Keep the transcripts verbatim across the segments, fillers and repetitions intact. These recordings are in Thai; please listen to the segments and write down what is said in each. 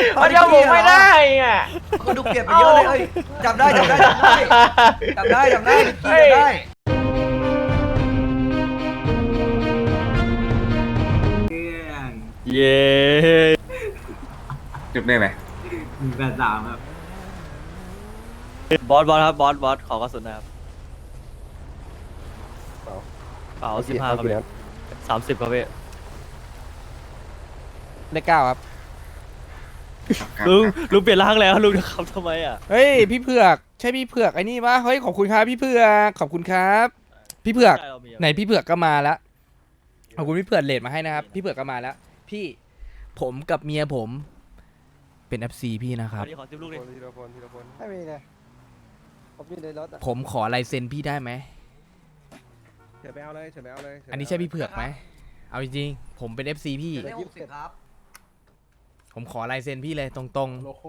เขาจำผมไม่ได้อ่ะก็ดูเปลี่ยนไปเยอะเลยเอ้ยจำได้จำได้จำได้จำได้จำได้จำได้เย้จุดได้ไหมหนึ่งแปดสามครับบอสบอสครับบอสบอสขอกระสุนนะครับเปล่าสิบห้าครับพี่สามสิบครับพี่เลขเก้าครับลุงลุงเปลี่ยนร่างแล้วลุงจะขับทำไมอ่ะเฮ้ยพี่เผือกใช่พี่เผือกไอ้นี่ปะเฮ้ยขอบคุณครับพี่เผือกขอบคุณครับ พี่เผือกไหนพี่เผือกก็มาแล้วขอบคุณพี่เผือกเลดมาให้นะครับพี่เผือกก็มาแล้วพี่ผมกับเมียผมเป็น เอฟ ซี พี่นะครับขอจิ้มลูกดิทีละคนทีละคนไม่มีเลยผมอยู่ในรถอะผมขอลายเซ็นพี่ได้ไหมเฉินไปเอาเลยเฉินไปเอาเลยอันนี้ใช่พี่เผือกไหมเอาจริงๆผมเป็น เอฟ ซี พี่ได้หกสิบครับผมขอลายเซ็นพี่เลยตรงโลโก้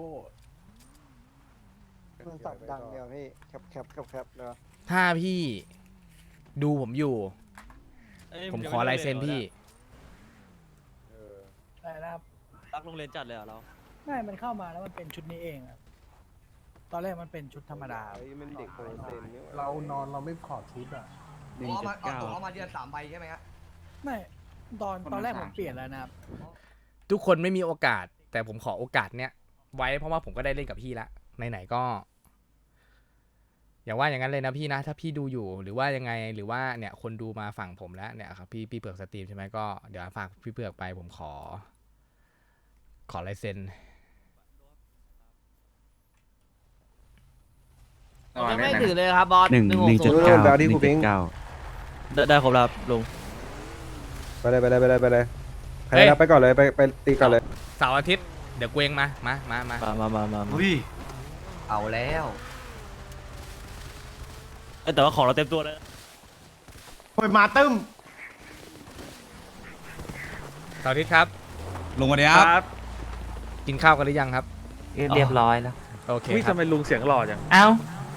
มันสับดังเดียวพี่แคปแคปแคปแคปเนาะๆถ้าพี่ดูผมอยู่เอ้ยผมขอลายเซ็นพี่เออได้นะครับรักโรงเรียนจัดเลยเหรอเราไม่มันเข้ามาแล้วมันเป็นชุดนี้เองอะตอนแรกมันเป็นชุดธรรมดาไอ้มันเด็กโปรเซนนี่เรานอนเราไม่ถอดชุดอ่ะเอามาเอาเอามาเดือนสามใบใช่ไหมฮะไม่ตอนตอนแรกผมเปลี่ยนแล้วนะครับทุกคนไม่มีโอกาส แต่ผมขอโอกาสเนี้ยไว้เพราะว่าผมก็ได้เล่นกับพี่ละไหนๆก็ อย่าว่าอย่างนั้นเลยนะพี่นะ ถ้าพี่ดูอยู่หรือว่ายังไงหรือว่าเนี่ยคนดูมาฝั่งผมแล้วเนี่ยครับพี่พี่เผือกสตรีมใช่ไหมก็เดี๋ยวฝากพี่เผือกไปผมขอ ขอลายเซ็นยังไม่ถือเลยครับบอสหนึ่งหนึ่งหนึ่งหจุกดศูนย์เก้าแบลที่คูพิงได้ได้ครบแล้วครับลุงไปเลยไปเลยไปเลยไปเลยใครรับไปก่อนเลยไปไปตีก่อนเลยเสาร์อาทิตย์เดี๋ยวกูเองมามามามามามามามามาอุ้ยเอาแล้วเอ้ยแต่ว่าของเราเต็มตัวแล้วโอ้ยมาตึ้มเสาร์อาทิตย์ครับลงมาเนี้ยครับกินข้าวกันหรือยังครับเรียบร้อยแล้วโอเควิครับทำไมลุงเสียงหล่อจังเอ้า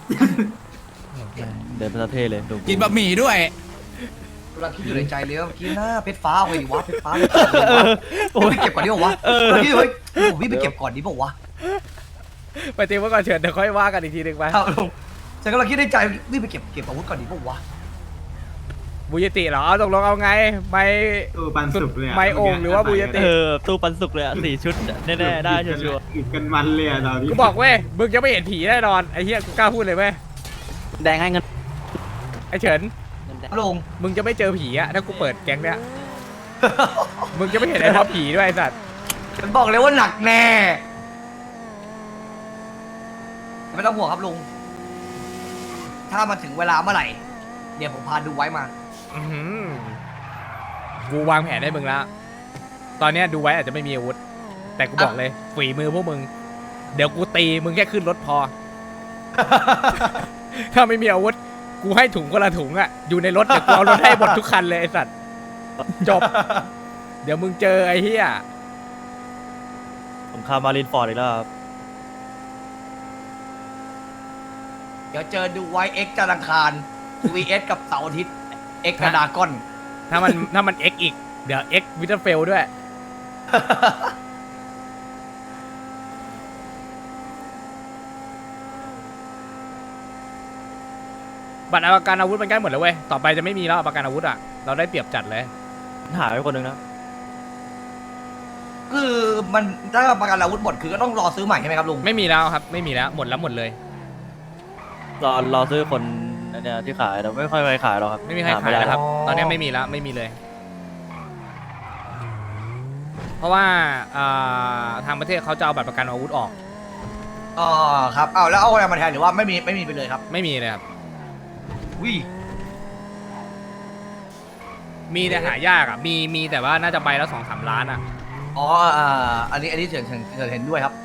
เดินประเทศเลยลุงกินบะหมี่ด้วยกำลังคิดอยู่ในใจเลยว่าเมื่อกี้หน้าเพชรฟ้าเอาไปดิวะเพชรฟ้าไปเก็บก่อนดิวะพี่เฮ้ยผมพี่ไปเก็บก่อนดิบอกวะไปเตรียมไว้ก่อนเฉินเดี๋ยวค่อยว่ากันอีกทีหนึ่งไปครับลุงฉันกำลังคิดในใจพี่ไปเก็บเก็บอาวุธก่อนดิบอกวะบูยติเหรอเอาตกลงเอาไงไม่เออปันสุกเลยอะไม่โอ่งหรือว่าบูยติเออตู้ปันสุกเลยอ่ะสี่ชุดแน่ๆได้ชัวร์อีกกันมันเลยอะตอนนี้กูบอกเว้ยมึงยังไม่เห็นผีแน่นอนไอ้เหี้ยกูกล้าพูดเลยเว้ยแดงให้เงินไอ้เฉินลุงมึงจะไม่เจอผีอะถ้ากูเปิดแก๊งเนี้ย มึงจะไม่เห็นไอ้ท็อปผีด้วยไอ้สัตว์ฉันบอกเลยว่าหนักแน่ไม่ต้องห่วงครับลุงถ้ามันถึงเวลาเมื่อไหร่เดี๋ยวผมพาดูไว้มาอื้อหือกูวางแผนให้มึงแล้ว ตอนเนี้ยดูไว้อาจจะไม่มีอาวุธ แต่กูบอกเลยฝีมือพวกมึง เดี๋ยวกูตีมึงแค่ขึ้นรถพอ ถ้าไม่มีอาวุธ กูให้ถุงคนละถุงอะอยู่ในรถเดี๋ยวกูเอารถให้หมดทุกคันเลยไอ้สัตว์ จบ เดี๋ยวมึงเจอไอ้เหี้ยผมคามารินฟอร์ดอีกแล้วครับเดี๋ยวเจอดูไว้เอ็กจันทร์อังคาร วี เอส กับเสาร์อาทิตย์เอ็กกระดากอนถ้ามันถ้ามัน X อีก เดี๋ยว X วิเตอร์เฟลด้วย บัตรประกันอาวุธมันใกล้หมดแล้วเว้ย ต่อไปจะไม่มีแล้วประกันอาวุธอ่ะ เราได้เปรียบจัดเลยหายไปคนหนึงนะคือมันถ้าประกันอาวุธหมดคือก็ต้องรอซื้อใหม่ใช่ไหมครับลุงไม่มีแล้วครับ ไม่มีแล้ว หมดแล้วหมดเลยรอรอซื้อคนเนี่ยที่ขายแต่ไม่ค่อยไปขายหรอกครับไม่มีใครหขายด้แล้วครับอ๋อตอนนี้ไม่มีแล้ว ไม่มีเลย เพราะว่าอ่าทางประเทศเขาจะเอาบัตรประกันอาวุธออกอ๋อครับเอาแล้วเอาอะไรมาแทนหรือว่าไม่มีไม่มีไปเลยครับไม่มีเลยครับวิมีแต่หายากอ่ะ มีมีแต่ว่าน่าจะใบละสองสามล้านอ่ะอ๋ออ่าอันนี้อันนี้เฉินเฉินเฉินเห็นด้วยครับ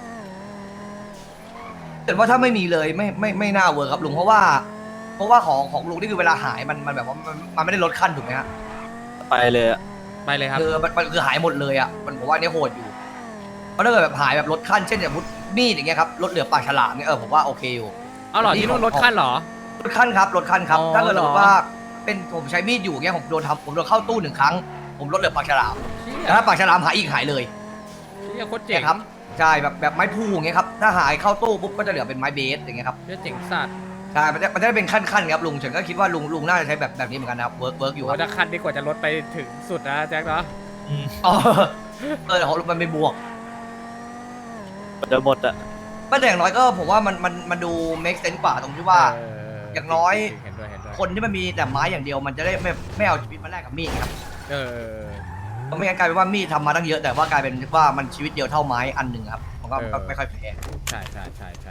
แต่ว่าถ้าไม่มีเลยไม่ไม่ไม่น่าเวิร์คครับลุงเพราะว่า เพราะว่าของของลุงนี่คือเวลาหายมันมันแบบว่ามันมันไม่ได้ลดขั้นถูกไหมฮะไปเลยอะไปเลยครับคือมันมันคือหายหมดเลยอ่ะมันผมว่าอันนี่โหดอยู่เพราะถ้าเกิดแบบหายแบบลดขั้นเช่นอย่างมุดมีดอย่างเงี้ยครับลดเหลือปากฉลามเนี่ยเออผมว่าโอเคอยู่เอาเหรอที่นู่นลดขั้นเหรอลดขั้นครับลดขั้นครับอ๋อถ้าเกิดเหรอสมมติว่าเป็นผมใช้มีดอยู่เงี้ยผมโดนทำผมโดนเข้าตู้หนึ่งครั้ง ผมลดเหลือปากฉลามแต่ถ้าปากฉลามหายอีกหายเลยเชี่ยโคตรเจ๋งเนี่ยครับใช่แบบแบบไม้พูอย่างเงี้ยครับถ้าหายเข้าตู้ปุ๊บก็จะเหลือเป็นไม้เบสอย่างเงี้ยครับเรื่องเจ๋งสัตว์ใช่มันจะมันจะได้เป็นขั้นๆครับลุงฉันก็คิดว่าลุงลุงน่าจะใช้แบบแบบนี้เหมือนกันนะครับเวิร์กเวิร์กอยู่คโอ้รับถ้าคันดีกว่าจะลดไปถึงสุดนะแจ็คเนาะอ๋อเออของลุงมันเป็นบวกเดี๋ยวหมดอะก็แต่อย่างน้อยก็ผมว่ามันมันมันดู make sense กว่าตรงที่ว่าเอย่างน้อยเห็นด้วยเห็นด้วยคนที่มันมีแต่ไม้อย่างเดียวมันจะได้ไม่ไม่เอาชีวิตมาแลกกับมีดครับเออเพราะไม่งั้นกลายเป็นว่ามีดทำมาตั้งเยอะแต่ว่ากลายเป็นว่ามันชีวิตเดียวเท่าไม้อันหนึ่งครับผมก็ก็ไม่ค่อยแฟร์ใช่ใช่ใช่ใช่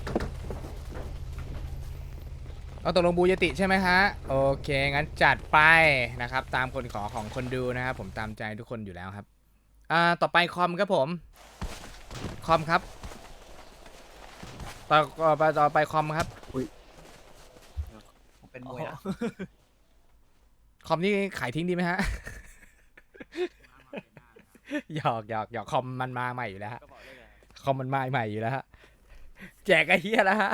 เอาตกลงบูยติใช่ไหมฮะโอเคงั้นจัดไปนะครับตามคนขอของคนดูนะครับผมตามใจทุกคนอยู่แล้วครับอ่าต่อไปคอมครับผมคอมครับต่อต่อไปต่อไปคอมครับผมเป็นมวยนะคอมนี่ขายทิ้งดีไหมฮะ หยอกหยอกหยอกคอมมันมาใหม่อยู่แล้วฮะคอมมันมาใหม่อยู่แล้วฮะแจกไอ้เหี้ยแล้วฮะ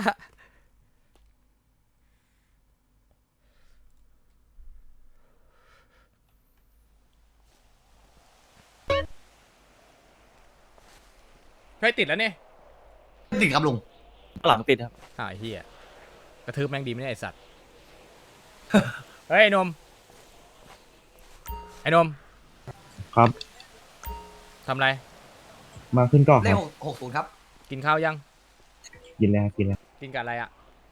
เฮ้ยติดแล้วเนี่ยติดครับลุงหลังติดครับอ้าวไอ้เหี้ยกระทืบแม่งดีไหมเนี่ยไอ้สัตว์ เฮ้ยไอ้นมไอ้นมครับทำไรมาขึ้นก่อนเลคขรับหกศูนย์ครับกินข้าวยังกินแล้วกินแล้วกินกับอะไรอ่ะ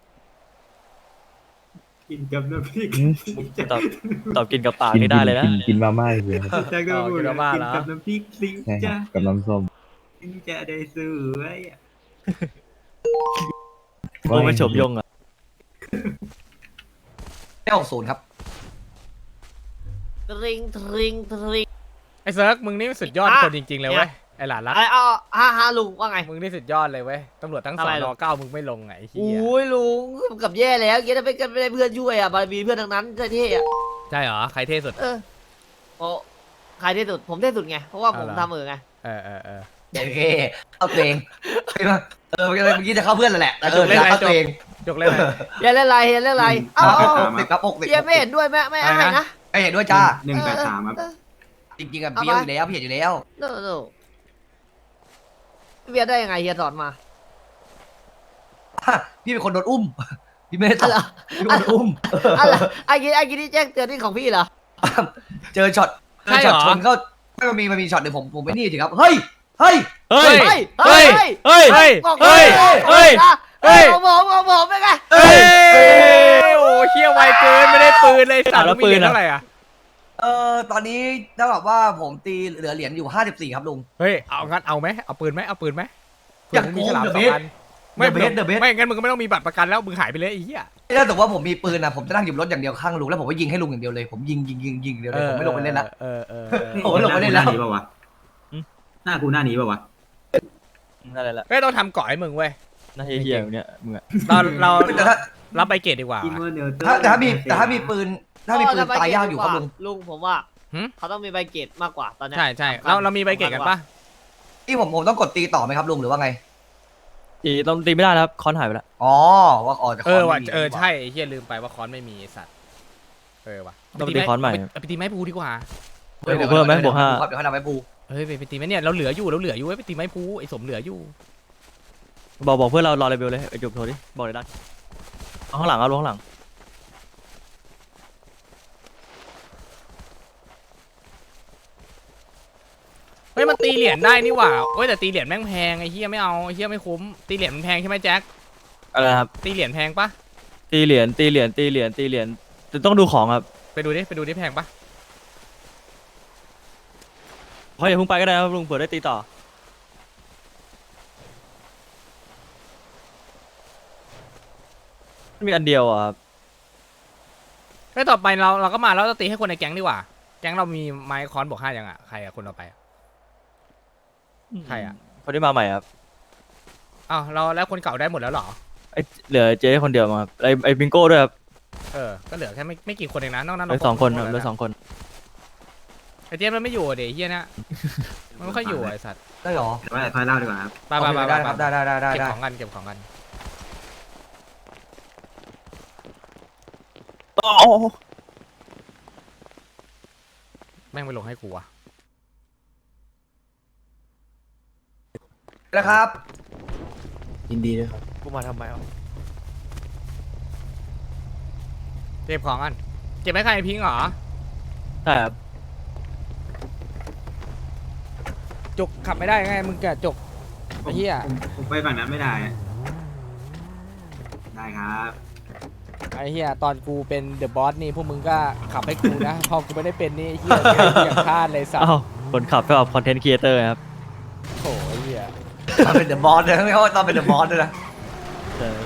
กินกับน้ำพริกตอบตอบกินกับปากนี่ได้เลยนะกินกินมาม่าเลยครับแจ็คก็พูดกินกับบ้ากิเหรนอกับน้ำพริกสิงใช่ครัจ้าบกับน้ำส้มสิงจะได้สวยอะโอ้ไม่ชมยงอะเลขหกศูนย์ครับทริงทริงทริงไอ้เซิร์กมึงนี่สุดยอดอ่ะคนจริงๆเลยเว้ยไอ้หลานรักอะไรอ๋อฮ่าฮ่าลุงว่าไงมึงนี่สุดยอดเลยเว้ยตำรวจทั้งสอะอไรนหรออเก้ามึงไม่ลงไงไอ้เหี้ยโอ้ยลุงกับแย่แล้วเกี้ถ้าไม่ไม่ได้เพื่อนช่วยอ่ะบารมีเพื่อนทั้งนั้นเท่ๆอ่ะใช่เหรอใครเท่สุดเออโอ้ใครเท่สุดผมเท่สุดไงเพราะว่าผมเอาเหรอทำเออไงเออเออเออโอเคเข้าตัวเองเห็นไหมเออเมื่อกี้จะเข้าเพื่อนแล้วแหละแต่เออเล่นอะไรเข้าตัวเองจกเล่นอะไรอย่าเล่นไรอย่าเล่นไรเอ้าเอ้าเอาสิบครับหกสิบเฮียไม่เห็นด้วยแม่ไม่อะไรให้นะนะไอเห็นด้วยจ้าหนึ่งแปดสามครับจริงๆอะพี่อยู่แล้วพี่เห็นอยู่แล้วโน่โน่เบียร์ได้ยังไงเฮียสอนมาพี่เป็นคนโดนอุ้ม พี่ไม่ได้อะไรทำพี่เป็นคนอุ้มอะไรไอ้กี้ไอ้กี้ที่แจ้งเตือนนี่ของพี่เหรอเจอช็อตเจอช็อตชนก็ไม่มันมีมันมีช็อตหนึ่งผมผมไม่นี่สิครับ เฮ้ย เฮ้ยเฮ้ยเฮ้ยเฮ้ย เฮ้ยเฮ้ยบอกเฮ้ยเฮ้ยเฮ้เฮ้ยยของผมของผมเป็นไงเฮ้ยโอ้เชี่ยไวเกินไม่ได้ปืนเลยสัตว์แล้วมีปืเหรีนยญอะเท่าไหร่อ่ะเออตอนนี้เท่ากับว่าผมตีเหลือเหรียญอยู่ห้าสิบสี่ครับลุงเฮ้ยเอางั้นเอาไหมเอาปืนไหมเอาปืนไหมอยากเผื่มึงมีฉลามโกงสอง The อันไม่ The Best The Best ไม่งั้นมึงก็ไม่ต้องมีบัตรประกันแล้วมึงหายไปเลยไอ้เหี้ยถ้าสมมติว่าผมมีปืนนะผมจะนั่งอยู่รถอย่างเดียวข้างลุงแล้วผมก็ยิงให้ลุงอย่างเดียวเลยผมยิงยิงยิงยิงเดียวเลยผมไม่ลงไปเล่นละเออเออเออโอ้โหลงไปเล่นแล้วหน้ากูหน้านี้ป่าวะหน้ากูหน้านี้ป่าวะนั่นแหละเฮ้ยต้องทำเกาะให้มึงเว้ยหน่าเฮี้ยๆเนี่ยมึงอะเราเราแต่ถ้ารับใบเกรดดีกว่าอินเวอร์เนลเตอร์ถ้าแต่ถ้ามีแต่ถ้ามีปืนถ้ามีปืนตายยากอยู่ครับลุงลุงผมว่าหึเขาต้องมีใบเกรดมากกว่าตอนเนี้ยใช่ใช่เราเรามีใบเกรดกันปะที่ผมผมต้องกดตีต่อไหมครับลุงหรือว่าไงตีต้องตีไม่ได้แล้วครับคอนหายไปแล้วอ๋อว่าอ๋อจะเออว่ะไม่มีเออใช่ไอ้เหี้ยลืมไปว่าคอนไม่มีไอ้สัตว์เออว่ะต้องตีคอนใหม่เอาไปตีไม้ปูดีกว่าเฮ้ยเพิ่มไหมบวกห้าครับเดี๋ยวให้นำไปปูเฮ้ยไปไปตีไหมเนี่ยเราเหลืออยู่เราเหลืออยู่เว้ยไปตีไม้ปูไอ้สมเหลืออยู่บอกบอกเพื่อนเรารอเลเวลเลยไอ้จุกโทรดิบอกเลยได้เอาข้างหลังเอาลงข้างหลังเฮ้ยมันตีเหรียญได้นี่หว่าเฮ้ยแต่ตีเหรียญแม่งแพงไอ้เหี้ยไม่เอาไอ้เหี้ยไม่คุ้มตีเหรียญมันแพงใช่ไหมแจ็คอะไรนะครับตีเหรียญแพงปะตีเหรียญตีเหรียญตีเหรียญตีเหรียญแต่ต้องดูของครับไปดูดิไปดูดิแพงปะเพราะอย่าเพิ่งไปก็ได้ครับลุงเผื่อได้ตีต่อมีอันเดียวอะครับเฮ้ยต่อไปเราเราก็มาแล้วเราตีให้คนในแก๊งดีกว่าแก๊งเรามีไม้คอนบวกห้ายังอ่ะใครอ่ะคนต่อไปอะ ใครอะคนที่มาใหม่ครับอ้าวเราแล้วคนเก่าได้หมดแล้วเหรอไอเหลือเจ๊คนเดียวมาครับไอไอบิงโก้ด้วยครับเออก็เหลือแค่ไม่ไม่กี่คนเองนะนอกนั้นเหลืเราอสองคนหคมรับดเหลืแล้อวสองคนไอเจมส์มันไม่อยู่อะเดี๋ยวไอ้เฮียนะมันไม่ค่อยอยู่อะไอสัตว์ได้เหรอแต่ว่าค่อยเล่าดีกว่าครับไปไปไปได้ไปครับได้ได้ได้ได้เก็บได้ของกันเก็บของกันแม่งไปลงให้กูอะแล้วครับยินดีด้วยครับกูมาทำไมอ่ะเก็บของกันเก็บไว้ใครพิงค์เหรอใช่ครับจกขับไม่ได้ไงมึงแกจกไอ้เหี้ยผมผมไปฝั่งนั้นไม่ได้อะได้ครับไอ้เหี้ยตอนกูเป็นเดอะบอสนี่พวกมึงก็ขับให้กูนะ พอกูไม่ได้เป็นนี่ไอ้เหี้ยอย่างพลาดเลยสัตอ้าวว์คนขับก็แบบคอนเทนต์ครีเอเตอร์ครับโถ่ไอ้เหี้ยตอนเป็นเดอะบอสเลยไม่ว่าตอนเป็นเดอะบอสด้วยนะเออ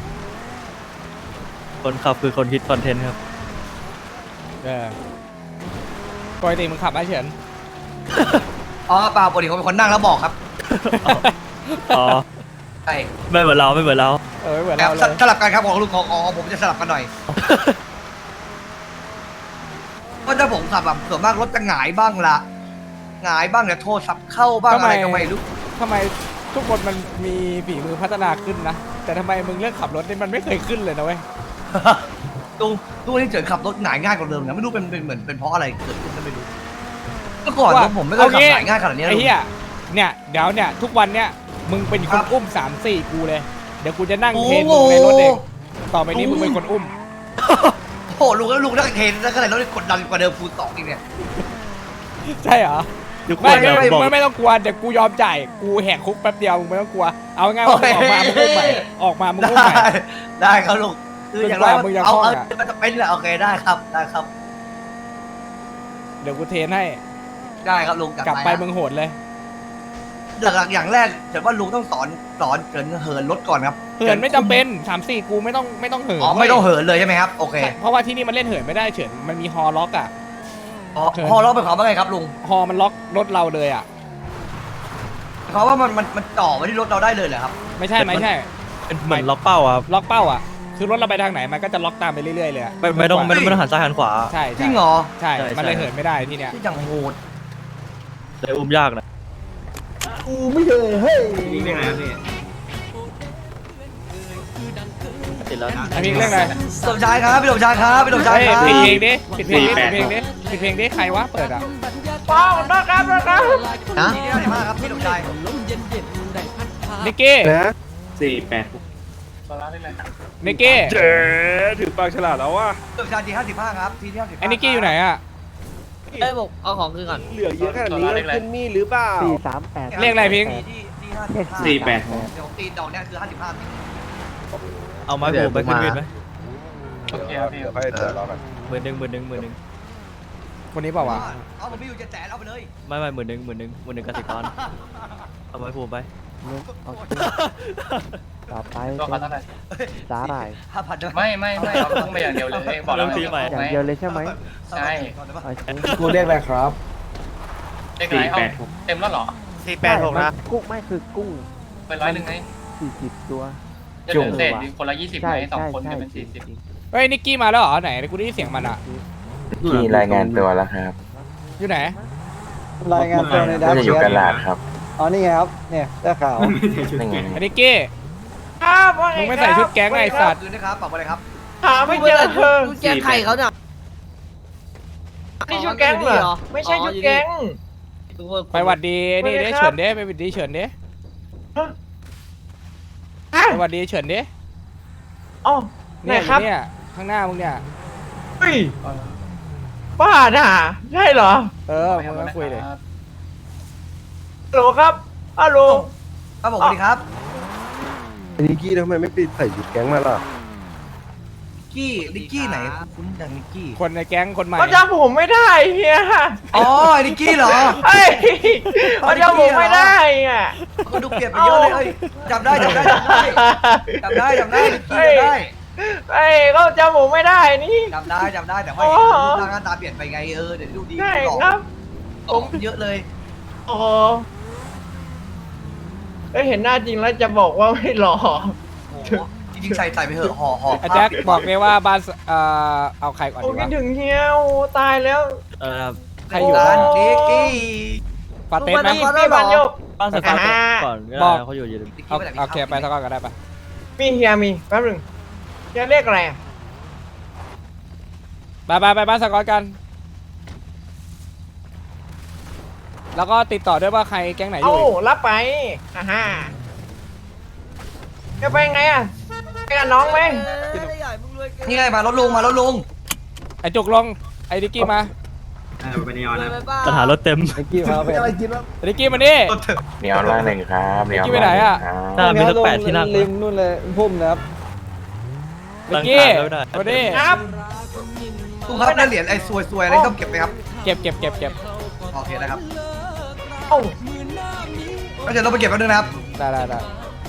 คนขับคือคนคิดคอนเทนต์ครับเออปกติมึงขับไหมเฉินอ๋อเปล่าปกติผมเป็นคนนั่งแล้วบอกครับอ๋อใช่ไม่เหมือนเราไม่เหมือนเราเออเหมือนแอบเราเลยสลับกันครับของลูกของของผมจะสลับกันหน่อยเพราะถ้าผมขับแบบส่วนมากรถจะหงายบ้างละหงายบ้างเนี่ยโทรศัพท์เข้าบ้างอะไรก็ไม่รู้ทำไมทุกคนมันมีฝีมือพัฒนาขึ้นนะ แต่ทำไมมึงเรื่องขับรถนี่มันไม่เคยขึ้นเลยนะเว้ยตู้ตู้ที่เฉินขับรถหงายง่ายกว่าเดิมนะไม่รู้เป็นเป็นเหมือนเป็นเพราะอะไรเกิดขึ้นก็ไม่รู้เมื่อก่อนนะผมไม่เคยขับหงายง่ายขนาดนี้ไอ้เลยเหี้ยเนี่ยเดี๋ยวเนี่ยทุกวันเนี่ยมึงเป็นคนอุ้มสามสี่กูเลย เดี๋ยวกูจะนั่งเทรนมึงในรถเองต่อไปนี้มึงเป็นคนอุ้มโอ้โหลุงแล้วลุงนั่งเทรนแล้วก็เลยรถกดดันกว่าเดิมคูณสองอีกเนี่ยใช่เหรอทุกคไม่นไม่แบบไม่บอกไม่ไม่ต้องกลัวเดี๋ยวกูยอมจ่ายกูแหกคุกแป๊บเดียวมึงไม่ต้องกลัวเอาง่ายๆว่ามึงออกมามึงอุ้มใหม่ออกมามึงอุ้มใหม่ได้ได้ครับลุงคืออย่างไรจนกว่ามึงจะเอาคล่องเอาอะมันจะเป็นแหละโอเคได้ครับได้ครับเดี๋ยวกูเทรนให้ได้ครับลุงกลับไปมึงโหดเลยหลักๆอย่างแรกแต่ว่าลุงต้องสอนสอนเกินเหินรถก่อนครับเหินไม่จำเป็นสามสี่กูไม่ต้องไม่ต้องเหินอ๋อไม่ต้องเหินเลยใช่ไหมครับโอเคใช่เพราะว่าที่นี่มันเล่นเหินไม่ได้เฉินมันมีฮอล็อกอ่ะอ๋อพอเราไปขอว่าไงครับลุงฮอมันล็อกรถเราเลยอ่ะเขาว่ามันมันมันต่อมาที่รถเราได้เลยเหรอครับไม่ใช่ไม่ใช่เป็นเหมือนล็อกเป้าอะครับล็อกเป้าอ่ะคือรถเราไปทางไหนมันก็จะล็อกตามไปเรื่อยๆเลยอะไม่ไม่ต้องไม่ต้องไม่ต้องหันซ้ายหันขวาใช่จใช่ริงเหรอใช่ใช่มันเลยใช่เหินไม่ได้ที่เนี้ยที่จังโหดเลยอุ้มยากนะกูไม่เคยเฮ้ยนี่เรื่องอะไรครับพี่ติดแล้วไอเพลงเรื่องอะไรสมชายครับพี่สมชายครับพี่สมชายเฮ้ยครับปิดเพลงดิปิดเพลงดิปิดเพลงดิปิดเพลงดิใครวะเปิดอ่ะนะที่ได้มากครับพี่สมชายนิกกี้นะสี่แปดนิกกี้เจ๊ถือปากฉลาดแล้วว่ะพี่สมชายทีห้าสิบห้าครับทีที่ห้าสิบไอ้นิกกี้อยู่ไหนอ่ะเอ้ยบอกเอาของคืนก่อนเหลือเยอะขนาดนี้แล้วขึ้นนี่หรือเปล่าสี่สามแปดเลขอะไรพิงค์ที่ที่ห้าสิบห้าสี่แปดเดี๋ยวตีดอกเนี่ยคือห้าสิบห้าเอาไม้ผูกไปขึ้นวินไหมโอเคครับพี่เดี๋ยวไปเดี๋ยวรอกันหมื่นหนึ่งหมื่นหนึ่งหมื่นหนึ่งคนนี้เปล่าวะเอาผมมีอยู่เจ็ดแสนเอาไปเลยไม่ไม่หมื่นหนึ่งหมื่นหนึ่งหมื่นหนึ่งกสิกรเอาไม้ผูกไปโอเคต่อไปก็ขอเท่าไหร่สาหร่ายห้าพันด้วยไม่ไม่ไม่เราต้องไปอย่างเดียวเลยบอกเราเริ่มทีใหม่อย่างเดียวเลยใช่ไหมใช่โอเคกูเรียกอะไรครับเลขไหนเอาเต็มแล้วเหรอสี่แปดหกนะกุ้งไม่คือกุ้งไปร้อยหนึ่งไงสี่สิบตัวจะเหลือเศษคนละยี่สิบใช่ไหมสองใช่คนใช่จะเป็นสี่สิบเฮ้ยนิกกี้มาแล้วเหรอไหนกูได้ยินเสียงมันอ่ะพี่รายงานตัวแล้วอยู่ไหนรายงานตัวในดับจะอยู่กันหลาดครับอ๋อนี่ไงครับเนี่ยได้ข่าวนี่ไงไอ้นิกกี้มึงไม่ใส่ชุดแก๊งไอ้สัตว์คืนนะครับปรับอะไรครับหาไม่เจอเธอแกงไข่เขาเนี่ยนี่ชุดแก๊งเหรอ ไม่ใช่ชุดแก๊งไปหวัดดีนี่เด้เฉินเด้ไปหวัดดีเฉินเด้ไปหวัดดีเฉินเด้อ๋อเนี่ยอยู่เนี่ยข้างหน้ามึงเนี่ยเฮ้ยบ้าน่ะใช่เหรอเออมึงมาคุยเลยฮัลโหลครับฮัลโหลครับผมสวัสดีครับนิกกี้ทำไมไม่ไปใส่ชุดแก๊งมาล่ะกี้นิกกี้ไหนคุ้นจังนิกกี้คนในแก๊งคนใหม่เขาจำผมไม่ได้เฮียอ๋อไอ้นิกกี้เหรอเฮ้ยเขาจำผมไม่ได้อ่ะก็ดูเปลี่ยนไปเยอะเลยเอ้ยจำได้จำได้จำได้จำได้จำได้นิกกี้จำได้เฮ้ยเขาจำผมไม่ได้นี่จำได้จำได้แต่ว่าอ๋อรูปร่างหน้าตาเปลี่ยนไปไงเออเดี๋ยวดูดีใช่หล่อครับหล่อเยอะเลยโอ้โหเอ้ยเห็นหน้าจริงแล้วจะบอกว่าไม่หล่อโอ้โหจริงๆใส่ใส่ไปเถอะห่อห่ออาแจ็คบอกเลยว่าบ้านสเอ่อเอาใครก่อนโอ้ดีคิดวะถึงเฮียโอ้ตายแล้วเออครับใครอยู่ร้าบ้านนนิกกี้ปาเต้นไหมพี่พี่บันโยกบ้านสตาร์ทอ่าก่อนก็บอได้กเขาอยู่อยู่นิกกี้เอาไปไหนโอเคไปสักก่อนก็ได้ปะมีเฮียมีแป๊บหนึงเฮียเรียกอะไรอะไปไปไปบ้านสกอตกันแล้วก็ติดต่อด้วยว่าใครแก๊งไหนอเอ้ายู่รับไปฮ่าฮ่าจะไปไงอ่ะไปกับน้องไหมนี่ไงมารถลุงมารถลุงไอ้จุกลงไอ้ดิกกี้มาเออไปนีออนนะปัญหารถเต็มไอ้กี้มาเป็นอะไรกินวะดิกกี้มานี่รถเถอะเนียนล่างหนึ่งครับเนียนดิกกี้ไปไหนอะถ้ามีสักแปดที่นั่งริมนู่นเลยพุ่มนะครับดิกกี้ตั้งขาไม่ได้มานี่ครับลุงครับได้เหรียญไอ้ซวยๆอะไรต้องเก็บไหมครับเก็บเก็บเก็บเก็บโอเคนะครับเอ้าก็เดี๋ยวเราไปเก็บแป๊บนึงนะครับได้ได้ได้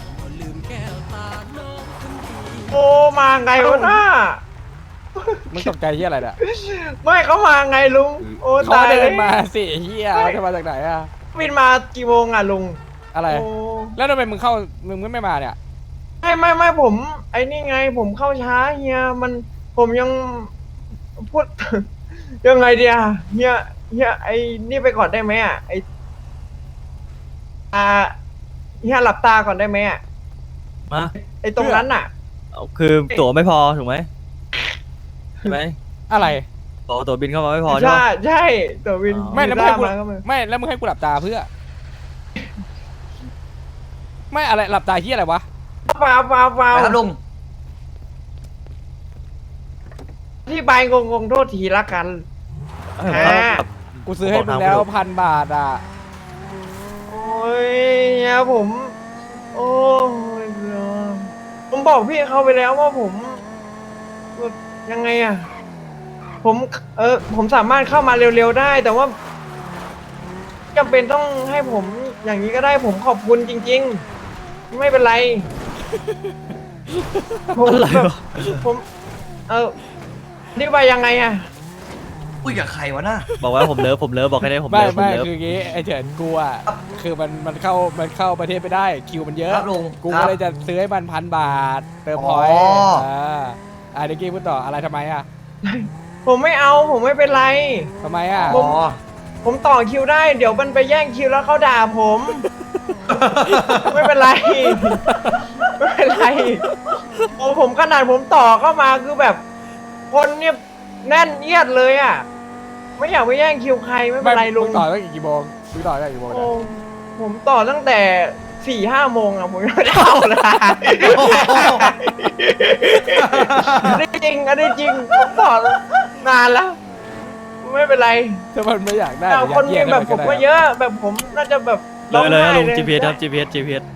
โอ้มาไงวะน้ามึงตกใจที่อะไรเนี่ยไม่เขามาไงลุงโอ้เขาตายเดิเลนยมาสิเฮียเขาจะมาจากไหนอะบินมากี่โมงอ่ะลุงอะไรโอ้แล้วทำไมมึงเข้ามึงไม่มาเนี่ยไม่ไม่ไม่ผม ไอ้นี่ไงผมเข้าช้าเฮียมันผมยังพูด ยังไงเดียเฮียเฮียไอ้นี่ไปก่อนได้ไหมอ่ะไอ้อ่าเฮียหลับตาก่อนได้ไหมอ่ะมาไอ้ตรงนั้นอ่ะคือตั๋วไม่พอถูกไหมใช่ไหมอะไรตั๋วตั๋วบินเข้ามาไม่พอใช่ใช่ปะใช่ตัววินไม่แล้วมึงให้กูมาก็มาไม่แล้วมึงให้กูหลับตาเพื่อ ไม่อะไรหลับตาที่อะไรวะเปล่าเปล่าเปล่าไปครับลุงที่ใบงงงๆโทษทีละกันเอออ่ากูซื้อให้มึงแล้วพันบาทอ่ะโอ้ยเฮียผม โอ้ยเบื่อผมบอกพี่เขาไปแล้วว่าผมแบบยังไงอะผมเออผมสามารถเข้ามาเร็วๆได้ แต่ว่าจำเป็นต้องให้ผมอย่างนี้ก็ได้ผมขอบคุณจริง ๆ ไม่เป็นไรผมแบบผม เออนี่ว่ายังไงอะอุ้ยกับใครวะน่ะบอกว่าผมเลิฟผมเลิฟบอกให้ได้ผมไม่เลิฟผมไม่เลิฟคืออย่างงี้ไอ้เฉินกูอ่ะคือมันมันเข้ามันเข้าประเทศไม่ได้คิวมันเยอะครับลุงกูครัก็บเลยจะซื้อให้มันพันบาทเติมอ๋พออยต์อ่าอ่าเด็กกี้พูดต่ออะไรทำไมอ่ะผมไม่เอาผมไม่เป็นไรทำไมอ่ะผม ผมต่อคิวได้เดี๋ยวมันไปแย่งคิวแล้วเขาด่าผม ไม่เป็นไร ไม่เป็นไรโอ้ผมขนาดผมต่อเข้ามาคือแบบ คนเนี่ยแน่นเอียดเลยอ่ะ ไม่อยากไปแย่งคิวใครไม่เป็นไรลุงมึต่อตั้งกี่โมงมึงต่อตั้งกี่โมงโอ้เนี่ยผมต่อตั้งแต่สี่ห้าโมงอะผมยังไม่ได้เข้าเลยอันนี้จริงอันนี้จริงผมต่อนานแล้ว ไม่เป็นไรถ้ามันไม่อยากได้แต่คนมีอยากแบบได้ผมได้ก็เยอะ แบบผมน่าจะแบบเลยเลยร้องลุงไห้จีพีเอสครับ จีพีเอส จีพีเอส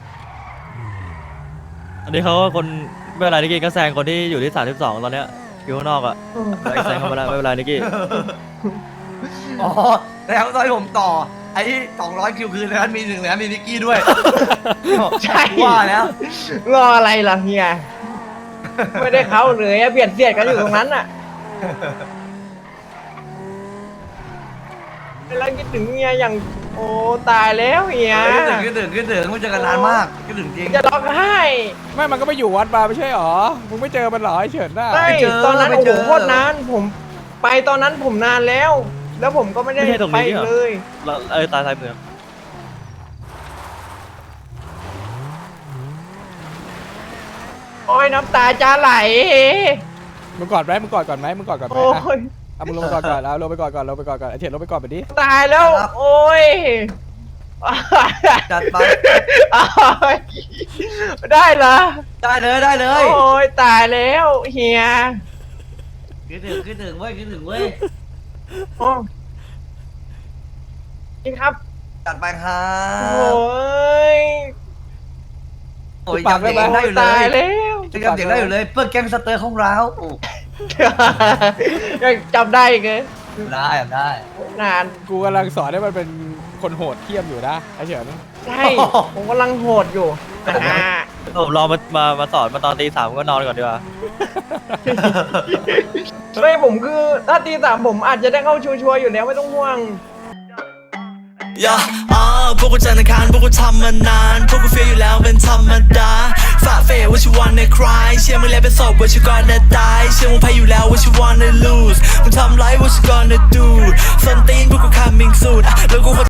อันนี้เขาก็คนไม่เป็นไรนิกกี้ก็แซงคนที่อยู่ที่สามสิบสองตอนเนี้ยอยู่ข้างนอกอ่ะแซงเข้ามาแล้วไม่เป็นไรนิกกี้อ๋อแล้วตอนที่ผมต่อ ไอ้สองร้อยคิวคืนนั้นมีหนึ่งแล้วมีนิกกี้ด้วยใช่ว่าแล้วรออะไรล่ะเฮีย ไม่ได้เข้าเลยอะเบียดเสียดกันอยู่ตรงนั้นอะเวลาคิดถึงเฮียอย่างโอ้ตายแล้วเฮียคิดถึงคิดถึงคิดถึงไม่เจอกันนานมากคิดถึงจริงจะร้องไห้ไม่มันก็ไปอยู่วัดมาไม่ใช่หรอมึงไม่เจอมันหรอไอ้เฉินน่ะไม่เจอตอนนั้นไม่โอ้เจโหอโคตรนานผมไปตอนนั้นผมนานแล้ว แล้วผมก็ไม่ได้ไม่ใช่ตรงไปนี้เหรอเลยเราเออตายตายเมืองโอ้ยน้ำตาจะไหลมึงกอดไหมมึงกอดก่อนไหมมึงกอดก่อนไหมโอ้อ่ะยเอามึงลงไปกอดก่อนเอาลงไปกอดก่อนลงไปกอดก่อนไอ้เฉินลงไปกอดไปดิตายแล้ว โอ้ยจัดไปได้เหรอได้เลยได้เลยโอ้ยตายแล้วเฮียคิดถึงคิดถึงเว้ยคิดถึงเว้ยโอ้นี่ครับจัดไปครัโอ้บยโอ้ยจำเสียงได้อยู่เลตายยแล้วจำเสียงได้อยู่เลยเพื่อแก๊งสเตอร์ของเรายังจำได้อีกเลยได้ได้นานกูกำลังสอนให้มันเป็นคนโหดเทียมอยู่นะไอ้เฉินใช่ ผมกำลังโหดอยู่อ่าผมรอมามามาสอนมาตอนตีสามก็นอนก่อนดีกว่าไม่ผมคือถ้าตีสามผมอาจจะได้เข้าชัวร์ๆอยู่แล้วไม่ต้องห่วงย่าอ่าพวกกูจันทร์อังคารพวกกูทำมานานพวกกูเฟียอยู่แล้วเป็นธรรมดาฝ่าเฟยว่าชิวันในคลายเชื่อมึงแล้วเป็นศพว่าชิวก่อนจะตายเชื่อมึงแพ้อยู่แล้วว่าชิวันใน lose มึงทำไรว่าชิวก่อนจะ do ส้นตีนพวกกู coming soon อ่ะแล้วกู